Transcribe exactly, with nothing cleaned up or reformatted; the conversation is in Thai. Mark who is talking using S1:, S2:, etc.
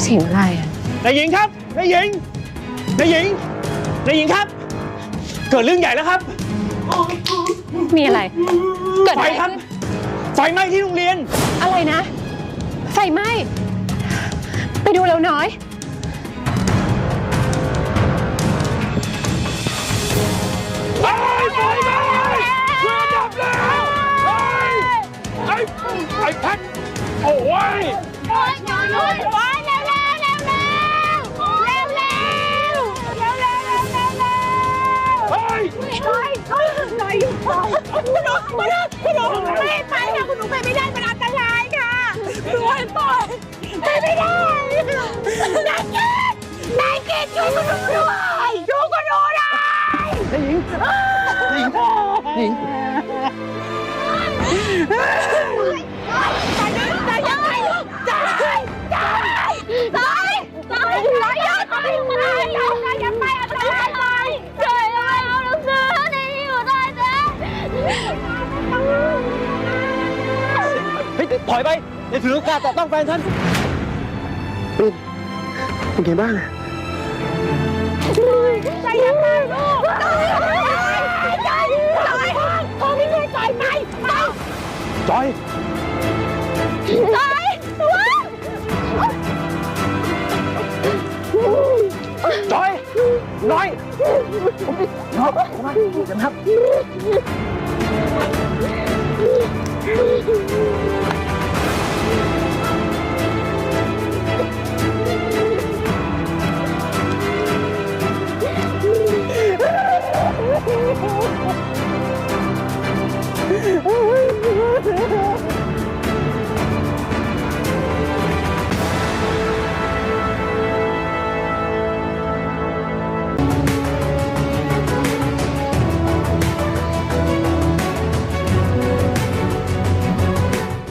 S1: เสียงอะไรอ่ะนายหญิงครับนายหญิงนายหญิงนายหญิงครับเกิดเรื่องใหญ่แล้วครับมีอะไรเกิดไฟครับไฟไหม้ที่โรงเรียนอะไรนะไฟไหม้ไปดูเร็วน้อยไฟไฟไหม้เรือดับแล้วไอ้ไอ้แพทโอ้ยโอ้ยโอ้ยโอ้ยเร็วเร็วเร็วเร็วเร็วเร็วเร็วเร็วเร็วเร็วเฮ้ยเฮ้ยเฮ้ยหน่อยอยู่คุณหนูคุณหนูคุณหนูไม่ไปค่ะคุณหนูไปไม่ได้มันอันตรายค่ะหนูให้ปล่อยไปไม่ได้นายเกดนายเกดอยู่กับหนูด้วยอยู่กับหนูได้นายหญิงนายหญิงนายหญิงตายตายยังไงตายตายตายตายตายตายยังตายตายตายยังไม่อะไรตายเจ๋ยอะไรเอาหนังสือนี่อยู่ได้เจ๊เฮ้ยถอยไปอย่าถือโอกาสแต่ต้องแฟนฉันเป็นเป็นไงบ้างใจยังไงลูกใจใจใจเขาไม่ใช่ใจไปไปจอยจอยจอยน้อยน้อยมาเดี๋ยวนะครับ